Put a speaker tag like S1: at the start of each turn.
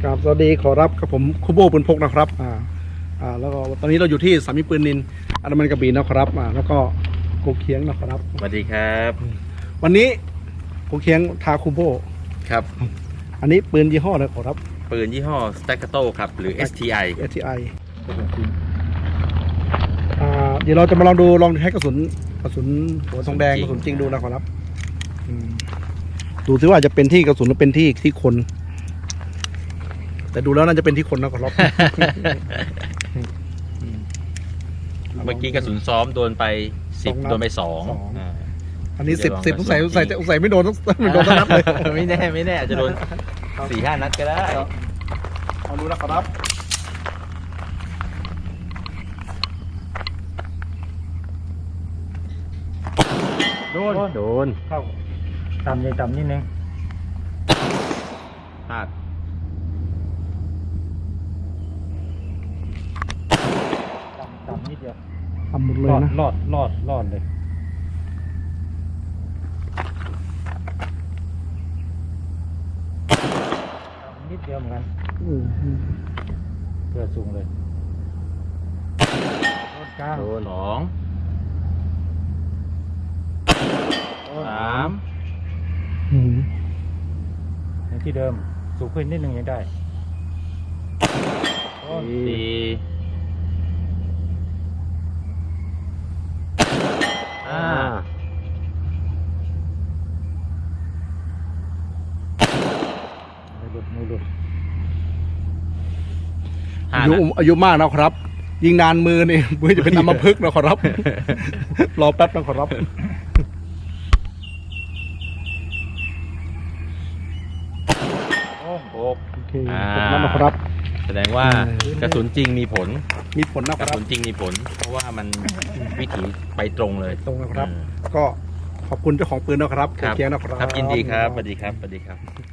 S1: ครับสวัสดีขอรับกับผมคุโบปืนพกนะครับแล้วก็ตอนนี้เราอยู่ที่สามีปืนนินอันดามันกระบี่นะครับแล้วก็โกเคียงนะครับ
S2: สวัสดีครับ
S1: วันนี้โกเคียงทาคุโบ
S2: ครับ
S1: อันนี้ปืนยี่ห้ออะไรขอรับ
S2: ปืนยี่ห้อ Staccato ครับหรือ STI
S1: เดี๋ยวเราจะมาลองใช้กระสุนหัวทองแดงกระสุนจริงดูนะขอรับดูซิว่าจะเป็นที่กระสุนหรือเป็นที่คนแต่ดูแล้วน่าจะเป็นที่คนนะขอรับ
S2: เมื่อกี้กระสุนซ้อมโดนไป10โดนไป2
S1: อันนี้10ต้องใส่ไม่โดนต้องโดนทั้งนัดเลย
S2: ไม่แน่อาจจะโดน 4-5 นัดก็ได้
S1: เอาดูนะครับ
S2: โดน
S3: เข้าต่ำนิดนึง
S2: พลาด
S3: ต่ำนิดเดียว
S1: ทำหมดเลยนะ
S3: รอดเลยนิดเดียวเหมือนกันเพื่อสูงเลยโดนกลาง
S2: 2 3
S3: อย่างที่เดิมสูงขึ้นนิดนึงยังได้ไม่หลุด
S1: อายุมากนะครับ ยิงนานมือนี่มือจะเป็นอัมพฤกษ์นะขอรับ รอแป๊บนะขอรับโอเคนั่นนะครับ
S2: แสดงว่ากระสุนจริงมีผล
S1: นะค
S2: กระ
S1: รับ
S2: สุนจริงมีผลเพราะว่ามันวิถีไปตรงเลย
S1: ตรงนะครับก็ขอบคุณเจ้าของปืนนะครับเคียงนะครับ
S2: ยินดีครับสวัสดีครับ